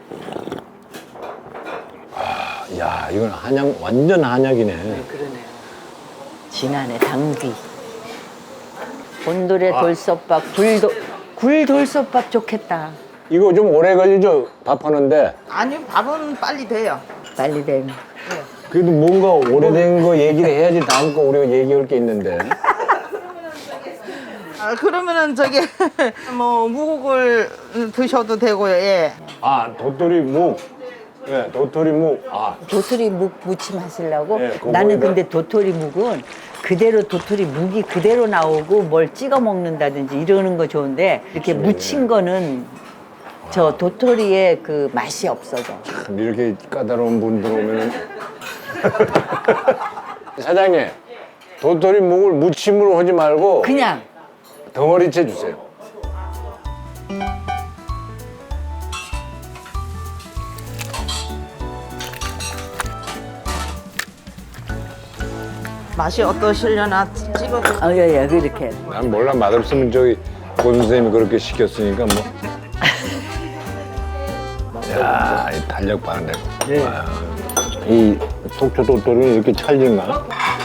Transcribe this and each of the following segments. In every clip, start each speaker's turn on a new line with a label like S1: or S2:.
S1: 야, 이건 한약, 완전 한약이네.
S2: 네, 그러네요. 진안의 당귀. 곤돌의 돌솥밥, 굴 돌솥밥 좋겠다.
S1: 이거 좀 오래 걸리죠? 밥하는데.
S3: 아니요, 밥은 빨리 돼요.
S2: 빨리 된.
S1: 그래도 뭔가 오래된 거 얘기를 해야지 다음 거 우리가 얘기할 게 있는데.
S3: 아, 그러면은 저기 뭐 무국을 드셔도 되고요. 예.
S1: 아, 도토리 묵. 예, 도토리 묵. 아,
S2: 도토리 묵 무침 하시려고?
S1: 네, 그거
S2: 나는
S1: 이거-
S2: 근데 도토리 묵은 그대로 도토리 묵이 그대로 나오고 뭘 찍어 먹는다든지 이러는 거 좋은데 이렇게 무친 거는 저 도토리의 그 맛이 없어져.
S1: 참 이렇게 까다로운 분들 오면은. 사장님, 도토리 묵을 무침으로 하지 말고
S2: 그냥
S1: 덩어리째 주세요.
S3: 맛이 어떠시려나 찍어도.
S2: 예, 그렇게.
S1: 난 몰라, 맛없으면 저기 고 선생님이 그렇게 시켰으니까 뭐. 야, 이 탄력 봐는데. 와, 이 속초 도토리는 이렇게 찰진가?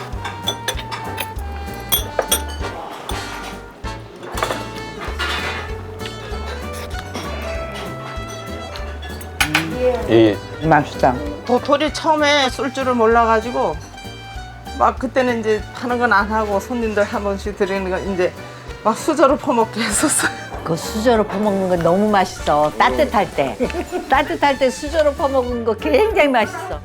S1: 이
S2: 맛있다.
S3: 도토리 처음에 쓸 줄을 몰라가지고 막 그때는 이제 파는 건 안 하고 손님들 한 번씩 드리는 거 이제 막 수저로 퍼먹게 했었어요.
S2: 그 수저로 퍼먹는 거 너무 맛있어. 따뜻할 때. 따뜻할 때 수저로 퍼먹는 거 굉장히 맛있어.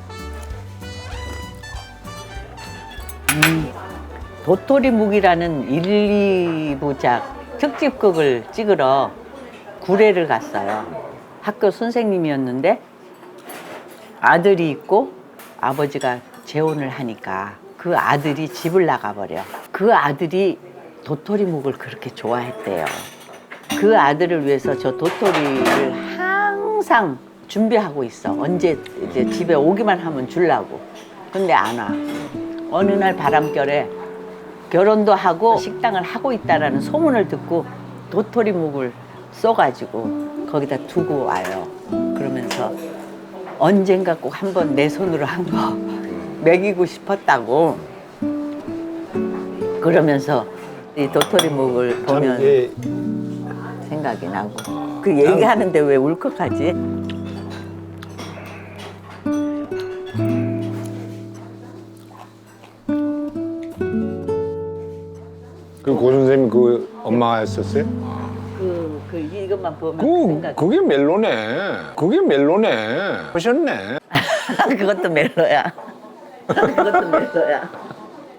S2: 도토리 묵이라는 1, 2부작 특집극을 찍으러 구례를 갔어요. 학교 선생님이었는데 아들이 있고 아버지가 재혼을 하니까 그 아들이 집을 나가버려. 그 아들이 도토리 묵을 그렇게 좋아했대요. 그 아들을 위해서 저 도토리를 항상 준비하고 있어. 언제 이제 집에 오기만 하면 주려고. 근데 안 와. 어느 날 바람결에 결혼도 하고 식당을 하고 있다라는 소문을 듣고 도토리 묵을 써가지고 거기다 두고 와요. 그러면서 언젠가 꼭 한번 내 손으로 한 거 먹이고 싶었다고. 그러면서 이 도토리 묵을 보면 생각이 나고. 그 얘기하는데 왜 울컥하지?
S1: 그 고 선생님 그 엄마가 했었어요?
S2: 이것만 보면 생각이.
S1: 그게 멜로네. 그게 멜로네. 하셨네.
S2: 그것도 멜로야. 그것도 멜로야.